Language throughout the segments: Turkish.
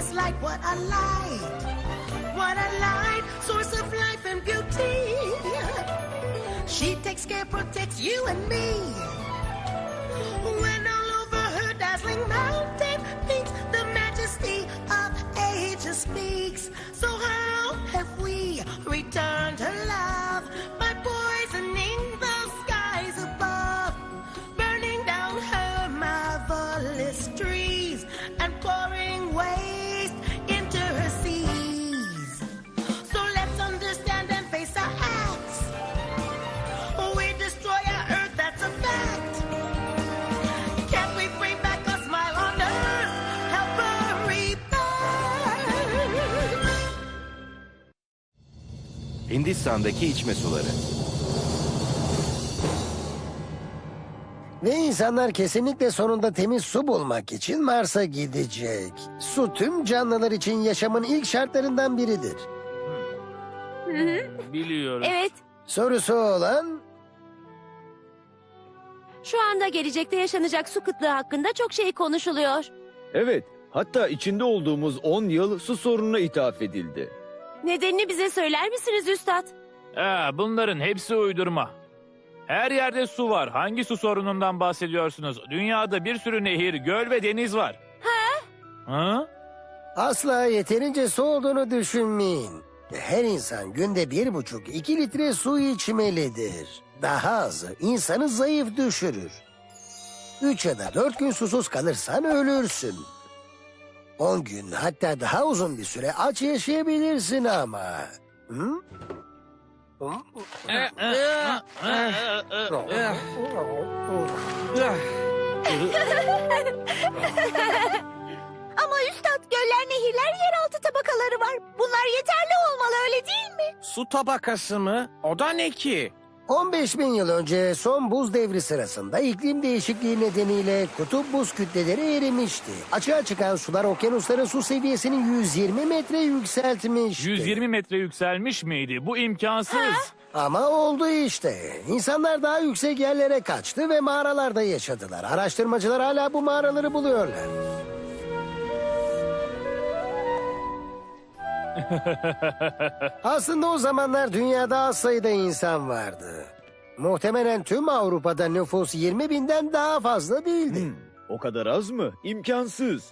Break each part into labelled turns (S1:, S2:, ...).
S1: just like what I like. What I like, source of life and beauty. She takes care, protects you and me. When all over her dazzling mountain peaks, the majesty of ages speaks. So how have we returned her love by poisoning the skies above, burning down her marvelous trees and pouring waste into her seas? So let's understand and face our acts. We destroy our earth, that's a fact. Can't we bring back a smile on earth? Help her rebirth.
S2: Hindistan'daki içme suları.
S3: Ve insanlar kesinlikle sonunda temiz su bulmak için Mars'a gidecek. Su tüm canlılar için yaşamın ilk şartlarından biridir.
S4: Biliyorum.
S5: Evet,
S3: Sorusu olan
S5: şu anda gelecekte yaşanacak su kıtlığı hakkında çok şey konuşuluyor.
S6: Evet, hatta içinde olduğumuz 10 yıl su sorununa ithaf edildi.
S5: Nedenini bize söyler misiniz üstad?
S4: Bunların hepsi uydurma. Her yerde su var. Hangi su sorunundan bahsediyorsunuz? Dünyada bir sürü nehir, göl ve deniz var. Ha?
S3: asla yeterince su olduğunu düşünmeyin. Her insan günde 1,5-2 litre su içmelidir. Daha azı insanı zayıf düşürür. 3 ya da 4 gün susuz kalırsan ölürsün. 10 gün hatta daha uzun bir süre aç yaşayabilirsin ama. Hı?
S5: Ama üstad, göller, nehirler, yeraltı tabakaları var. Bunlar yeterli olmalı, öyle değil mi?
S7: Su tabakası mı? O da ne ki?
S3: 15 bin yıl önce son buz devri sırasında iklim değişikliği nedeniyle kutup buz kütleleri erimişti. Açığa çıkan sular okyanusların su seviyesini 120 metre yükseltmişti.
S4: 120 metre yükselmiş miydi? Bu imkansız.
S3: Ama oldu işte. İnsanlar daha yüksek yerlere kaçtı ve mağaralarda yaşadılar. Araştırmacılar hala bu mağaraları buluyorlar. Aslında o zamanlar dünyada az sayıda insan vardı. Muhtemelen tüm Avrupa'da nüfus 20 binden daha fazla değildi.
S6: O kadar az mı? İmkansız.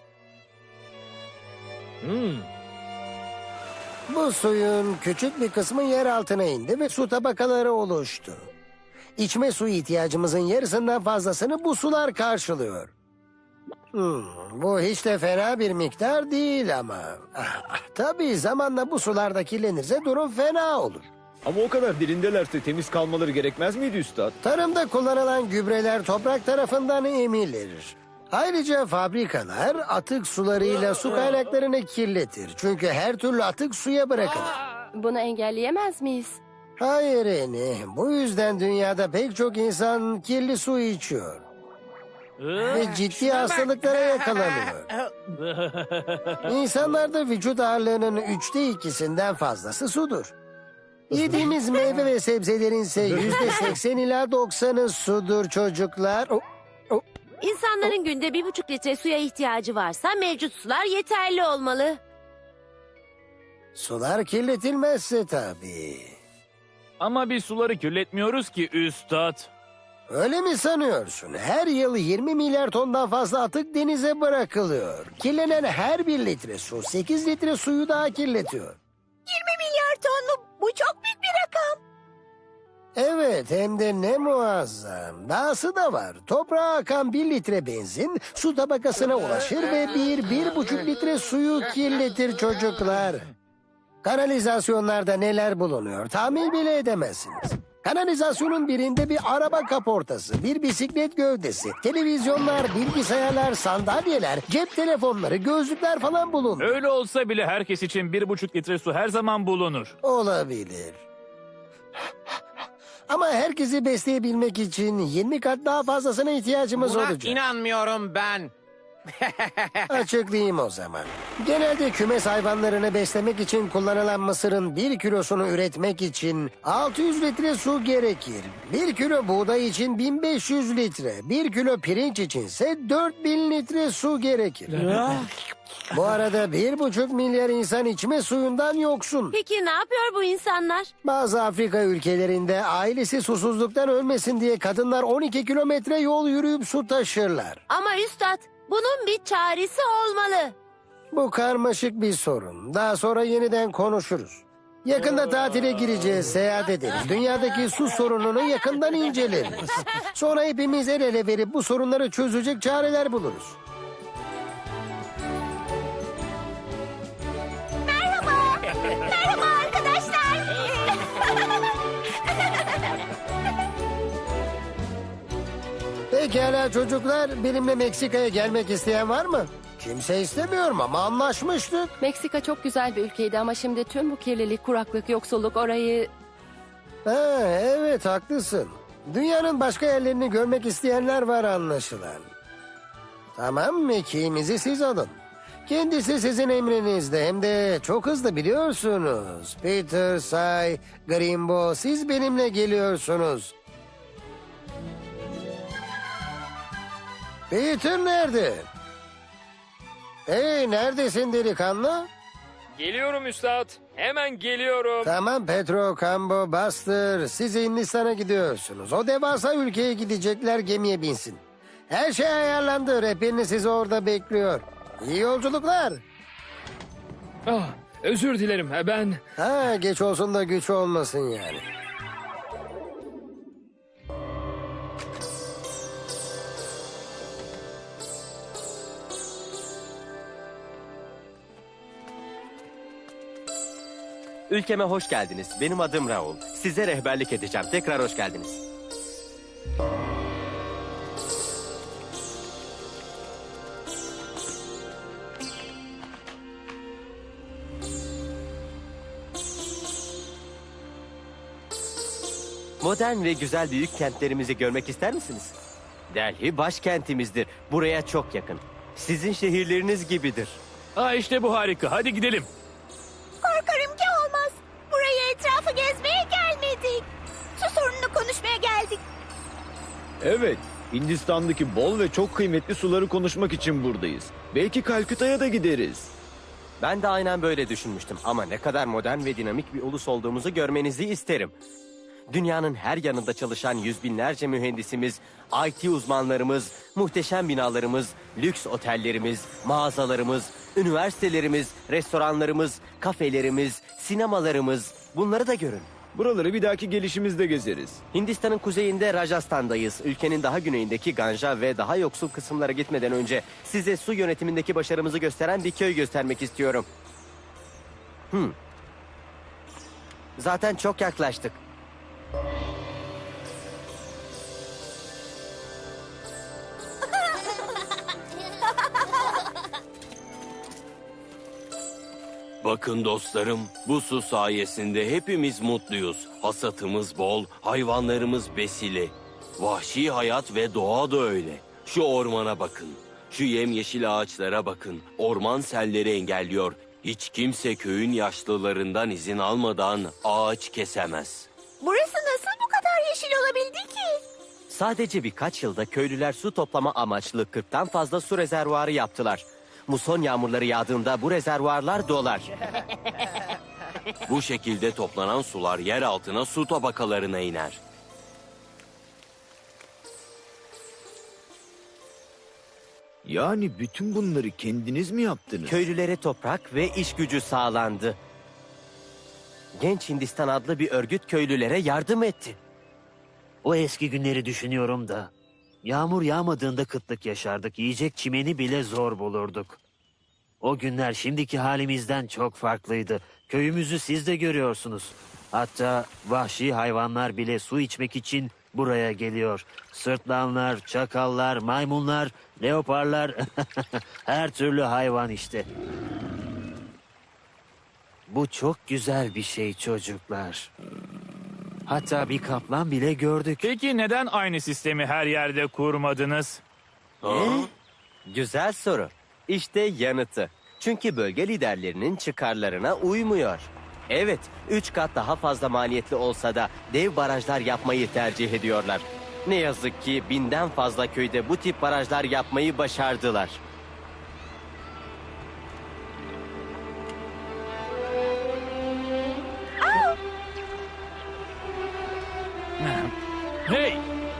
S3: Bu suyun küçük bir kısmı yer altına indi ve su tabakaları oluştu. İçme suyu ihtiyacımızın yarısından fazlasını bu sular karşılıyor. Bu hiç de fena bir miktar değil ama. Tabii zamanla bu sularda kirlenirse durum fena olur.
S6: Ama o kadar derindelerse temiz kalmaları gerekmez miydi üstad?
S3: Tarımda kullanılan gübreler toprak tarafından emilir. Ayrıca fabrikalar atık sularıyla su kaynaklarını kirletir. Çünkü her türlü atık suya bırakılır.
S5: Bunu engelleyemez miyiz?
S3: Hayır Eni, bu yüzden dünyada pek çok insan kirli su içiyor. Ve ciddi hastalıklara yakalanıyor. İnsanlarda vücut ağırlığının 2/3'ünden fazlası sudur. Yediğimiz meyve ve sebzelerin ise %80 ila 90'ı sudur çocuklar.
S5: İnsanların günde 1,5 litre suya ihtiyacı varsa mevcut sular yeterli olmalı.
S3: Sular kirletilmezse tabii.
S4: Ama biz suları kirletmiyoruz ki üstad.
S3: Öyle mi sanıyorsun? Her yıl 20 milyar tondan fazla atık denize bırakılıyor. Kirlenen her 1 litre su 8 litre suyu daha kirletiyor.
S5: 20 milyar ton mu? Bu çok büyük bir rakam.
S3: Evet, hem de ne muazzam. Dahası da var. Toprağa akan 1 litre benzin su tabakasına ulaşır ve 1,5 litre suyu kirletir çocuklar. Kanalizasyonlarda neler bulunuyor tahmin bile edemezsiniz. Kanalizasyonun birinde bir araba kaportası, bir bisiklet gövdesi, televizyonlar, bilgisayarlar, sandalyeler, cep telefonları, gözlükler falan bulunur.
S4: Öyle olsa bile herkes için 1,5 litre su her zaman bulunur.
S3: Olabilir. Ama herkesi besleyebilmek için 20 kat daha fazlasına ihtiyacımız
S7: Buna
S3: olacak.
S7: inanmıyorum ben.
S3: Açıklayayım o zaman. Genelde kümes hayvanlarını beslemek için kullanılan mısırın 1 kilosunu üretmek için 600 litre su gerekir. 1 kilo buğday için 1500 litre, 1 kilo pirinç içinse 4000 litre su gerekir. Bu arada 1,5 milyar insan içme suyundan yoksun.
S5: Peki ne yapıyor bu insanlar?
S3: Bazı Afrika ülkelerinde ailesi susuzluktan ölmesin diye kadınlar 12 kilometre yol yürüyüp su taşırlar.
S5: Ama üstad, bunun bir çaresi olmalı.
S3: Bu karmaşık bir sorun. Daha sonra yeniden konuşuruz. Yakında tatile gireceğiz, seyahat ederiz. Dünyadaki su sorununu yakından inceleriz. Sonra hepimiz el ele verip bu sorunları çözecek çareler buluruz.
S5: Merhaba arkadaşlar.
S3: Pekala çocuklar, benimle Meksika'ya gelmek isteyen var mı? Kimse istemiyorum ama anlaşmıştık.
S2: Meksika çok güzel bir ülkeydi ama şimdi tüm bu kirlilik, kuraklık, yoksulluk orayı...
S3: Ha, evet haklısın. Dünyanın başka yerlerini görmek isteyenler var anlaşılan. Tamam, mekiğimizi siz alın. Kendisi sizin emrinizde, hem de çok hızlı biliyorsunuz. Peter, Say, Grimbo, siz benimle geliyorsunuz. Peter nerede? Hey, neredesin delikanlı?
S8: Geliyorum üstad. Hemen geliyorum.
S3: Tamam Petro, Cambo, Buster, siz Hindistan'a gidiyorsunuz. O devasa ülkeye gidecekler, gemiye binsin. Her şey ayarlandı, rehberiniz sizi orada bekliyor. İyi yolculuklar.
S8: Ah, özür dilerim. Ben...
S3: Ha, geç olsun da güç olmasın yani.
S9: Ülkeme hoş geldiniz. Benim adım Raul. Size rehberlik edeceğim. Tekrar hoş geldiniz. Modern ve güzel büyük kentlerimizi görmek ister misiniz? Delhi başkentimizdir. Buraya çok yakın. Sizin şehirleriniz gibidir.
S4: Ha işte bu harika. Hadi gidelim.
S5: Korkarım ki olmaz. Buraya etrafı gezmeye gelmedik. Su sorununu konuşmaya geldik.
S6: Evet, Hindistan'daki bol ve çok kıymetli suları konuşmak için buradayız. Belki Kalküta'ya da gideriz.
S9: Ben de aynen böyle düşünmüştüm. Ama ne kadar modern ve dinamik bir ulus olduğumuzu görmenizi isterim. Dünyanın her yanında çalışan yüz binlerce mühendisimiz, IT uzmanlarımız, muhteşem binalarımız, lüks otellerimiz, mağazalarımız, üniversitelerimiz, restoranlarımız, kafelerimiz, sinemalarımız, bunları da görün.
S6: Buraları bir dahaki gelişimizde gezeriz.
S9: Hindistan'ın kuzeyinde Rajasthan'dayız. Ülkenin daha güneyindeki Ganja ve daha yoksul kısımlara gitmeden önce size su yönetimindeki başarımızı gösteren bir köy göstermek istiyorum. Zaten çok yaklaştık.
S10: Bakın dostlarım, bu su sayesinde hepimiz mutluyuz. Hasatımız bol, hayvanlarımız besili. Vahşi hayat ve doğa da öyle. Şu ormana bakın, şu yemyeşil ağaçlara bakın. Orman selleri engelliyor. Hiç kimse köyün yaşlılarından izin almadan ağaç kesemez.
S5: Burası nasıl bu kadar yeşil olabildi ki?
S9: Sadece birkaç yılda köylüler su toplama amaçlı 40'tan fazla su rezervuarı yaptılar. Muson yağmurları yağdığında bu rezervuarlar dolar.
S10: Bu şekilde toplanan sular yer altına su tabakalarına iner.
S6: Yani bütün bunları kendiniz mi yaptınız?
S9: Köylülere toprak ve iş gücü sağlandı. Genç Hindistan adlı bir örgüt köylülere yardım etti.
S11: O eski günleri düşünüyorum da. Yağmur yağmadığında kıtlık yaşardık. Yiyecek çimeni bile zor bulurduk. O günler şimdiki halimizden çok farklıydı. Köyümüzü siz de görüyorsunuz. Hatta vahşi hayvanlar bile su içmek için buraya geliyor. Sırtlanlar, çakallar, maymunlar, leoparlar, her türlü hayvan işte. Bu çok güzel bir şey çocuklar. Hatta bir kaplan bile gördük.
S4: Peki neden aynı sistemi her yerde kurmadınız?
S10: Ha?
S9: Güzel soru. İşte yanıtı. Çünkü bölge liderlerinin çıkarlarına uymuyor. Evet, 3 kat daha fazla maliyetli olsa da dev barajlar yapmayı tercih ediyorlar. Ne yazık ki 1000'den fazla köyde bu tip barajlar yapmayı başardılar.
S4: Hey!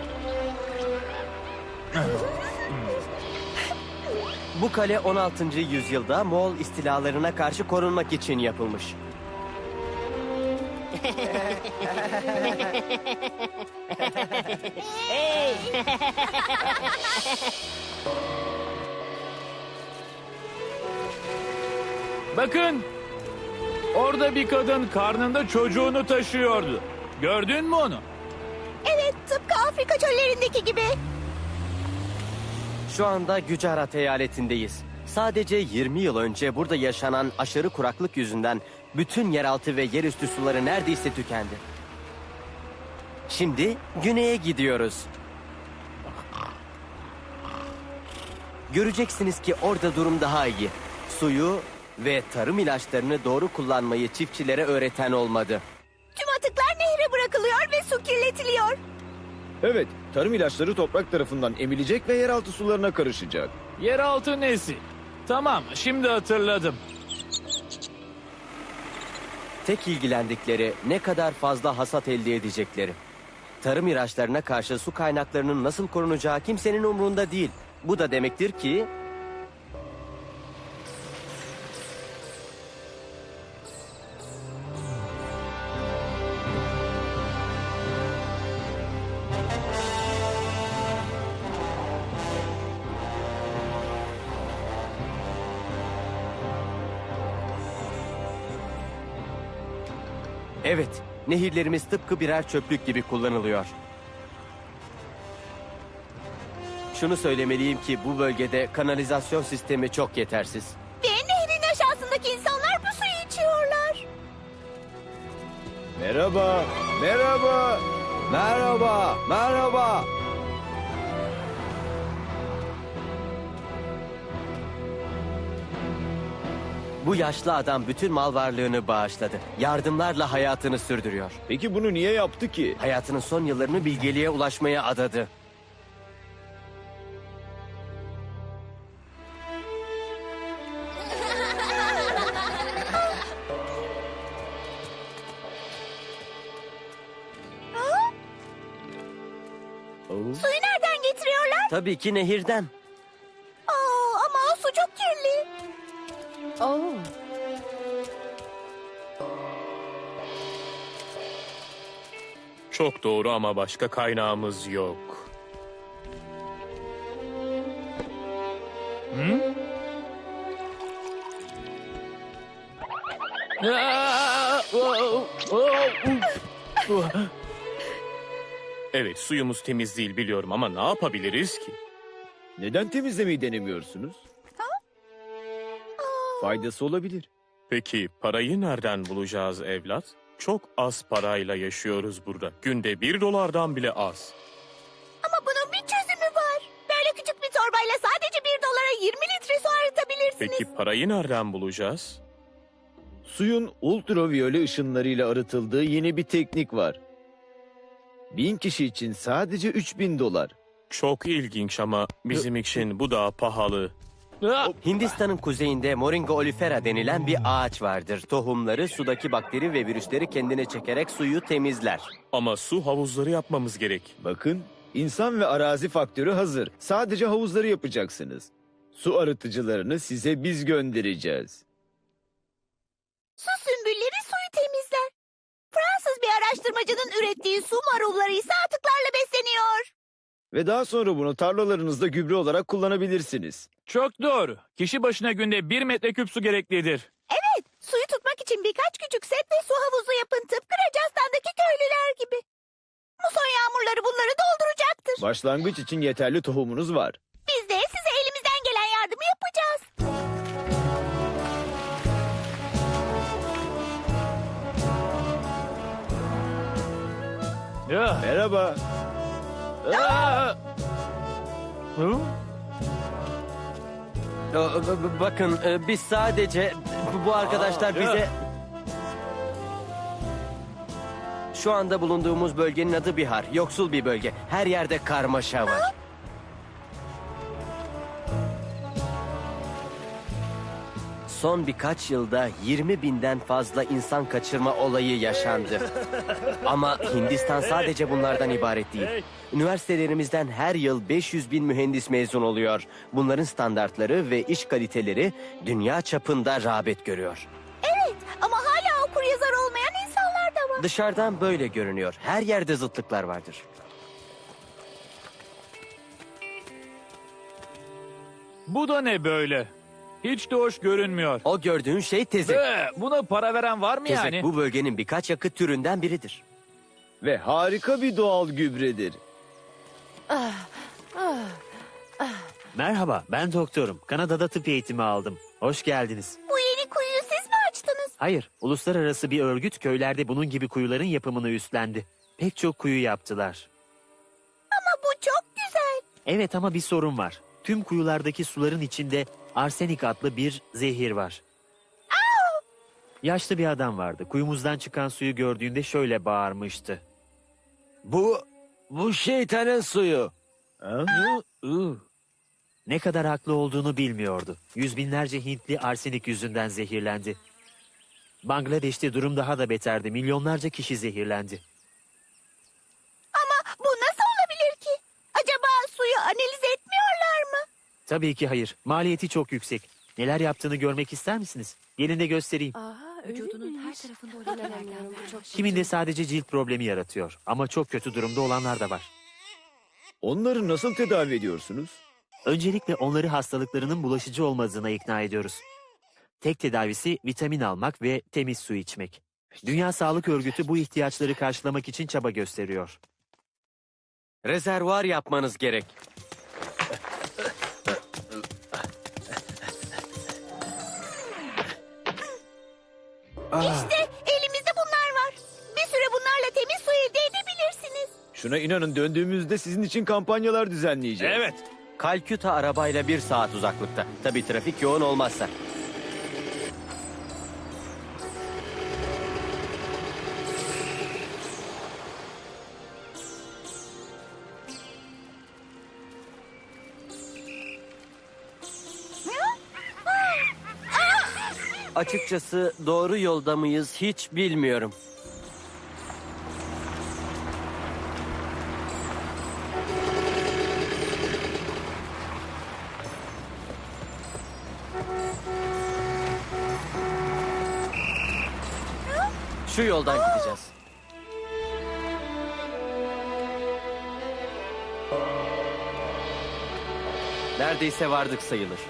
S9: Bu kale 16. yüzyılda Moğol istilalarına karşı korunmak için yapılmış.
S4: Bakın! Orada bir kadın karnında çocuğunu taşıyordu. Gördün mü onu?
S5: Evet, tıpkı Afrika çöllerindeki gibi.
S9: Şu anda Gücarat eyaletindeyiz. Sadece 20 yıl önce burada yaşanan aşırı kuraklık yüzünden bütün yeraltı ve yerüstü suları neredeyse tükendi. Şimdi güneye gidiyoruz. Göreceksiniz ki orada durum daha iyi. Suyu ve tarım ilaçlarını doğru kullanmayı çiftçilere öğreten olmadı.
S5: Tüm atıklar nehre bırakılıyor ve su kirletiliyor.
S6: Evet, tarım ilaçları toprak tarafından emilecek ve yeraltı sularına karışacak.
S4: Yeraltı nesi? Tamam, şimdi hatırladım.
S9: Tek ilgilendikleri ne kadar fazla hasat elde edecekleri. Tarım ilaçlarına karşı su kaynaklarının nasıl korunacağı kimsenin umrunda değil. Bu da demektir ki evet, nehirlerimiz tıpkı birer çöplük gibi kullanılıyor. Şunu söylemeliyim ki bu bölgede kanalizasyon sistemi çok yetersiz.
S5: Ve nehrin aşağısındaki insanlar bu suyu içiyorlar.
S6: Merhaba, merhaba, merhaba, merhaba.
S9: Bu yaşlı adam bütün mal varlığını bağışladı. Yardımlarla hayatını sürdürüyor.
S6: Peki bunu niye yaptı ki?
S9: Hayatının son yıllarını bilgeliğe ulaşmaya adadı.
S5: Suyu nereden getiriyorlar?
S9: Tabii ki nehirden.
S5: Ama o su çok kirli.
S2: Oo.
S12: Çok doğru ama başka kaynağımız yok. Evet, suyumuz temiz değil biliyorum ama ne yapabiliriz ki?
S6: Neden temizlemeyi denemiyorsunuz? Faydası olabilir.
S12: Peki parayı nereden bulacağız evlat? Çok az parayla yaşıyoruz burada. Günde $1 bile az.
S5: Ama bunun bir çözümü var. Böyle küçük bir torbayla sadece $1 20 litre su arıtabilirsiniz.
S12: Peki parayı nereden bulacağız?
S6: Suyun ultraviyole ışınlarıyla arıtıldığı yeni bir teknik var. 1000 kişi için sadece $3000.
S12: Çok ilginç ama bizim için bu da pahalı.
S9: Hindistan'ın kuzeyinde Moringa olifera denilen bir ağaç vardır. Tohumları sudaki bakteri ve virüsleri kendine çekerek suyu temizler.
S12: Ama su havuzları yapmamız gerek.
S6: Bakın, insan ve arazi faktörü hazır. Sadece havuzları yapacaksınız. Su arıtıcılarını size biz göndereceğiz.
S5: Su sümbülleri suyu temizler. Fransız bir araştırmacının ürettiği su marulları ise atıklarla besleniyor.
S6: Ve daha sonra bunu tarlalarınızda gübre olarak kullanabilirsiniz.
S4: Çok doğru. Kişi başına günde 1 metreküp su gereklidir.
S5: Evet, suyu tutmak için birkaç küçük set ve su havuzu yapın tıpkı Rajasthan'daki köylüler gibi. Muson yağmurları bunları dolduracaktır.
S6: Başlangıç için yeterli tohumunuz var.
S5: Biz de size elimizden gelen yardımı yapacağız.
S4: Ya.
S6: Merhaba.
S4: Aa! Hı?
S9: Bakın biz sadece bu arkadaşlar bize... Şu anda bulunduğumuz bölgenin adı Bihar. Yoksul bir bölge. Her yerde karmaşa var. Son birkaç yılda 20.000'den fazla insan kaçırma olayı yaşandı. Ama Hindistan sadece bunlardan ibaret değil. Üniversitelerimizden her yıl 500.000 mühendis mezun oluyor. Bunların standartları ve iş kaliteleri dünya çapında rağbet görüyor.
S5: Evet ama hala okur yazar olmayan insanlar da var.
S9: Dışarıdan böyle görünüyor. Her yerde zıtlıklar vardır.
S4: Bu da ne böyle? Hiç de hoş görünmüyor.
S9: O gördüğün şey tezek.
S4: Buna para veren var mı
S9: Tezek
S4: yani?
S9: bu bölgenin birkaç yakıt türünden biridir.
S6: Ve harika bir doğal gübredir.
S11: Merhaba, ben doktorum. Kanada'da tıp eğitimi aldım. Hoş geldiniz.
S5: Bu yeni kuyuyu siz mi açtınız?
S11: Hayır, uluslararası bir örgüt köylerde bunun gibi kuyuların yapımını üstlendi. Pek çok kuyu yaptılar.
S5: Ama bu çok güzel.
S11: Evet ama bir sorun var. Tüm kuyulardaki suların içinde arsenik adlı bir zehir var. Yaşlı bir adam vardı. Kuyumuzdan çıkan suyu gördüğünde şöyle bağırmıştı.
S6: Bu şeytanın suyu.
S11: Ne kadar haklı olduğunu bilmiyordu. Yüz binlerce Hintli arsenik yüzünden zehirlendi. Bangladeş'te durum daha da beterdi. Milyonlarca kişi zehirlendi.
S5: Ama bu nasıl olabilir ki? Acaba suyu analiz etmiyorlar mı?
S11: Tabii ki hayır. Maliyeti çok yüksek. Neler yaptığını görmek ister misiniz? Gelin de göstereyim.
S2: Vücudunun her tarafında o lekelerden çok...
S11: Kiminde sadece cilt problemi yaratıyor. Ama çok kötü durumda olanlar da var.
S6: Onları nasıl tedavi ediyorsunuz?
S11: Öncelikle onları hastalıklarının bulaşıcı olmadığına ikna ediyoruz. Tek tedavisi vitamin almak ve temiz su içmek. Dünya Sağlık Örgütü bu ihtiyaçları karşılamak için çaba gösteriyor.
S9: Rezervuar yapmanız gerek.
S5: İşte elimizde bunlar var. Bir süre bunlarla temiz su elde edebilirsiniz.
S6: Şuna inanın, döndüğümüzde sizin için kampanyalar düzenleyeceğiz.
S4: Evet.
S9: Kalküta arabayla 1 saat uzaklıkta. Tabii trafik yoğun olmazsa. Açıkçası doğru yolda mıyız hiç bilmiyorum. Şu yoldan gideceğiz. Neredeyse vardık sayılır.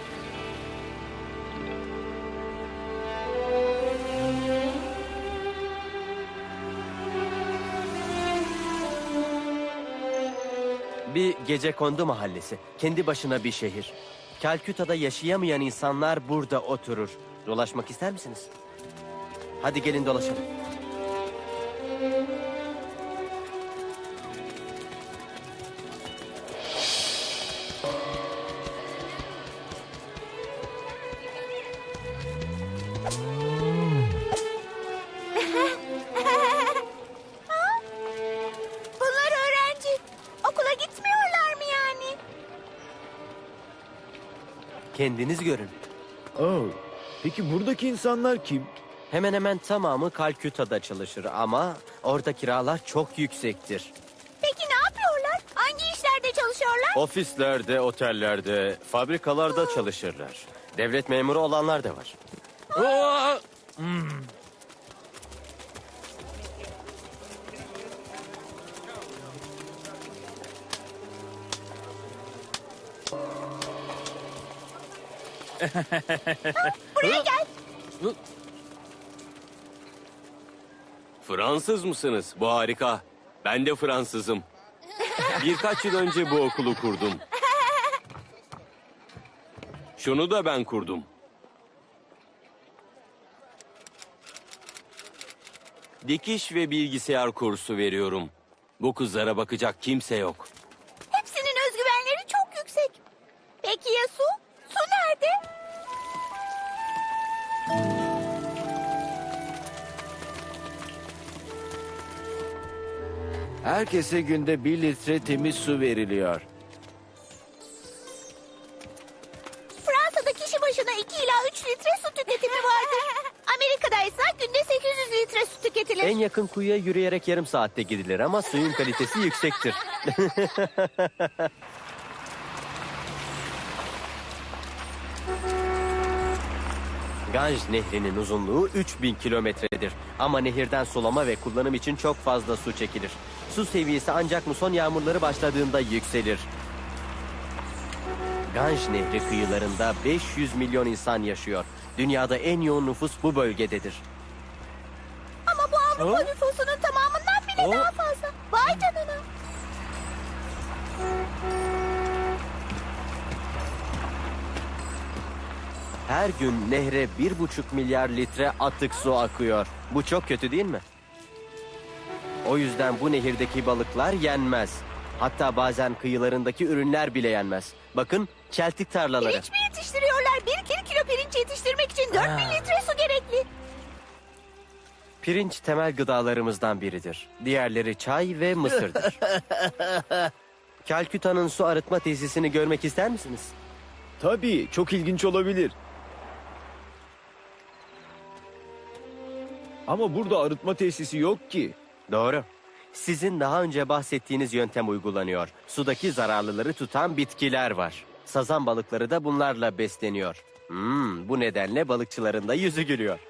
S9: Bir gecekondu mahallesi. Kendi başına bir şehir. Kalküta'da yaşayamayan insanlar burada oturur. Dolaşmak ister misiniz? Hadi gelin dolaşalım.
S5: Bunlar öğrenci. Okula gitmiyorlar mı yani?
S9: Kendiniz görün.
S6: Peki buradaki insanlar kim?
S9: Hemen hemen tamamı Kalküta'da çalışır ama orada kiralar çok yüksektir.
S5: Peki ne yapıyorlar? Hangi işlerde çalışıyorlar?
S9: Ofislerde, otellerde, fabrikalarda çalışırlar. Devlet memuru olanlar da var.
S5: Buraya gel.
S10: Fransız mısınız? Bu harika. Ben de Fransızım. Birkaç yıl önce bu okulu kurdum. Şunu da ben kurdum. Dikiş ve bilgisayar kursu veriyorum. Bu kızlara bakacak kimse yok.
S5: Hepsinin özgüvenleri çok yüksek. Peki ya su? Su nerede?
S6: Herkese günde 1 litre temiz su veriliyor.
S5: Fransa'da kişi başına 2 ila 3 litre su tüketimi vardır. Amerika'da ise günde 800 litre su tüketilir.
S9: En yakın kuyuya yürüyerek yarım saatte gidilir ama suyun kalitesi yüksektir. Ganj Nehri'nin uzunluğu 3000 kilometredir. Ama nehirden sulama ve kullanım için çok fazla su çekilir. Su seviyesi ancak muson yağmurları başladığında yükselir. Ganj Nehri kıyılarında 500 milyon insan yaşıyor. Dünyada en yoğun nüfus bu bölgededir.
S5: Ama bu Avrupa nüfusunun tamamından bile daha fazla. Vay canına.
S9: Her gün nehre 1,5 milyar litre atık su akıyor. Bu çok kötü değil mi? O yüzden bu nehirdeki balıklar yenmez. Hatta bazen kıyılarındaki ürünler bile yenmez. Bakın çeltik tarlaları.
S5: Pirinç mi yetiştiriyorlar? 1 kilo pirinç yetiştirmek için 4000 litre su gerekli.
S9: Pirinç temel gıdalarımızdan biridir. Diğerleri çay ve mısırdır. Kalküta'nın su arıtma tesisini görmek ister misiniz?
S6: Tabii, çok ilginç olabilir. Ama burada arıtma tesisi yok ki.
S9: Doğru. Sizin daha önce bahsettiğiniz yöntem uygulanıyor. Sudaki zararlıları tutan bitkiler var. Sazan balıkları da bunlarla besleniyor. Bu nedenle balıkçıların da yüzü gülüyor.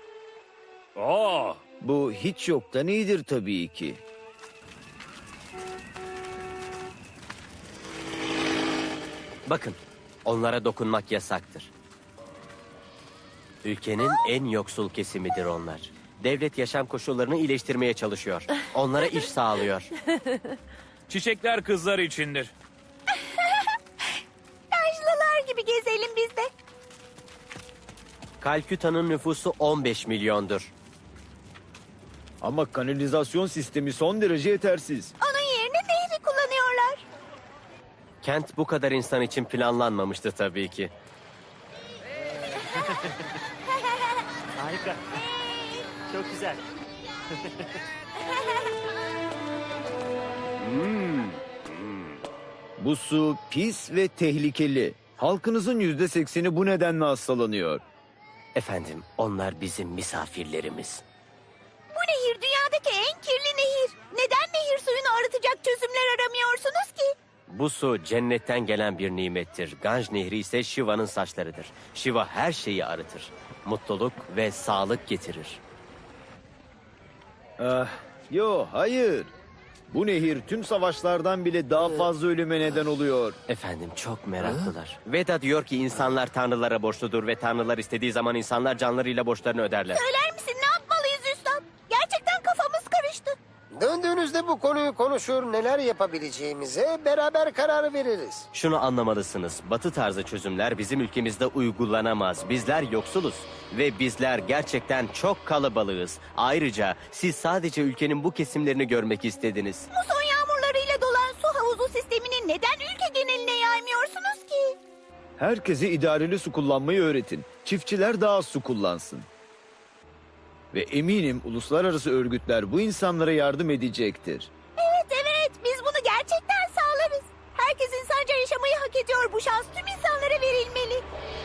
S6: Bu hiç yoktan iyidir tabii ki.
S9: Bakın, onlara dokunmak yasaktır. Ülkenin en yoksul kesimidir onlar. Devlet yaşam koşullarını iyileştirmeye çalışıyor. Onlara iş sağlıyor.
S4: Çiçekler kızlar içindir.
S5: Yaşlılar gibi gezelim biz de.
S9: Kalküta'nın nüfusu 15 milyondur.
S6: Ama kanalizasyon sistemi son derece yetersiz.
S5: Onun yerine nehri kullanıyorlar.
S9: Kent bu kadar insan için planlanmamıştı tabii ki.
S11: Harika. Çok güzel.
S6: Bu su pis ve tehlikeli. Halkınızın %80'i bu nedenle hastalanıyor.
S9: Efendim, onlar bizim misafirlerimiz.
S5: Bu nehir dünyadaki en kirli nehir. Neden nehir suyunu arıtacak çözümler aramıyorsunuz ki?
S9: Bu su cennetten gelen bir nimettir. Ganj Nehri ise Shiva'nın saçlarıdır. Shiva her şeyi arıtır. Mutluluk ve sağlık getirir.
S6: Hayır. Bu nehir tüm savaşlardan bile daha fazla ölüme neden oluyor.
S9: Efendim, çok meraklılar. Veda diyor ki insanlar tanrılara borçludur ve tanrılar istediği zaman insanlar canlarıyla borçlarını öderler.
S5: Söyler misin ne yapmalıyız Üstad? Gerçekten kafamız karıştı.
S3: Döndüğünüzde bu konuyu konuşur, neler yapabileceğimize beraber karar veririz.
S9: Şunu anlamalısınız. Batı tarzı çözümler bizim ülkemizde uygulanamaz. Bizler yoksuluz ve bizler gerçekten çok kalabalığız. Ayrıca siz sadece ülkenin bu kesimlerini görmek istediniz.
S5: Muson yağmurlarıyla dolan su havuzu sistemini neden ülke geneline yaymıyorsunuz ki?
S6: Herkese idareli su kullanmayı öğretin. Çiftçiler daha az su kullansın. Ve eminim uluslararası örgütler bu insanlara yardım edecektir.
S5: Evet, biz bunu gerçekten sağlarız. Herkes insanca yaşamayı hak ediyor. Bu şans tüm insanlara verilmeli.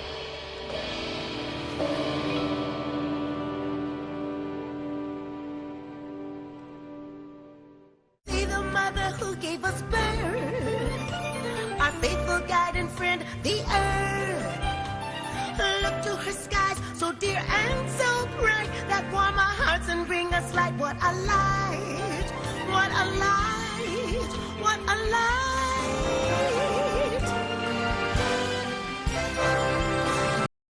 S1: See the mother who gave us birth, our faithful guide and friend, the earth. Look to her skies, so dear and so bright, that warm our hearts and bring us light. What a light, what a light.